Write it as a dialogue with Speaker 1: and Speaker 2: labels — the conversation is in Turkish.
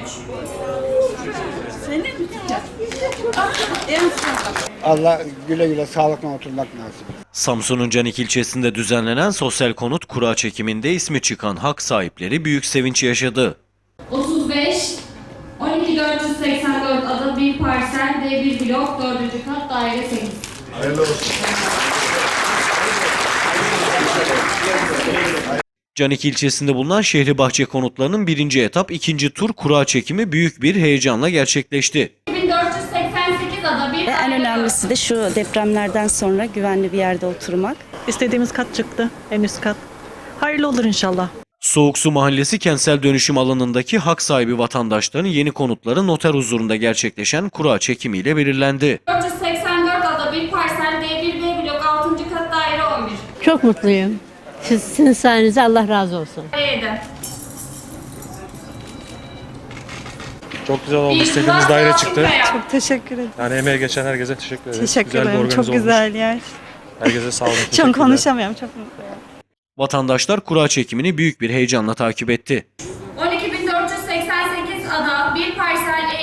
Speaker 1: Seni mi tutacak?
Speaker 2: Allah güle güle sağlıkla oturmak nasip.
Speaker 3: Samsun'un Canik ilçesinde düzenlenen sosyal konut kura çekiminde ismi çıkan hak sahipleri büyük sevinç yaşadı.
Speaker 4: 35 12484 ada bir parsel D1 blok 4. kat daire 8.
Speaker 5: Hayırlı olsun.
Speaker 3: Canik ilçesinde bulunan Şehribahçe konutlarının birinci etap ikinci tur kura çekimi büyük bir heyecanla gerçekleşti.
Speaker 4: 2488 ada bir
Speaker 1: En önemlisi de şu depremlerden sonra güvenli bir yerde oturmak.
Speaker 6: İstediğimiz kat çıktı, en üst kat. Hayırlı olur inşallah.
Speaker 3: Soğuksu Mahallesi kentsel dönüşüm alanındaki hak sahibi vatandaşların yeni konutları noter huzurunda gerçekleşen kura çekimiyle belirlendi.
Speaker 4: 484 ada bir parsel D1 B blok 6. kat daire 11.
Speaker 7: Çok mutluyum. Sizin sayenizde Allah razı olsun.
Speaker 4: Daire
Speaker 5: Çok güzel oldu. İstediğimiz daire çıktı.
Speaker 8: Çok teşekkür ederim.
Speaker 5: Yani emeğe geçen herkese teşekkür ederim.
Speaker 8: Teşekkür
Speaker 5: Güzel bir
Speaker 8: ederim.
Speaker 5: organize
Speaker 8: Çok güzel yer.
Speaker 5: Herkese sağ olun.
Speaker 8: Çok
Speaker 5: Teşekkürler.
Speaker 8: konuşamıyorum. Çok mutluyum.
Speaker 3: Vatandaşlar kura çekimini büyük bir heyecanla takip etti.
Speaker 4: 12488 ada bir parsel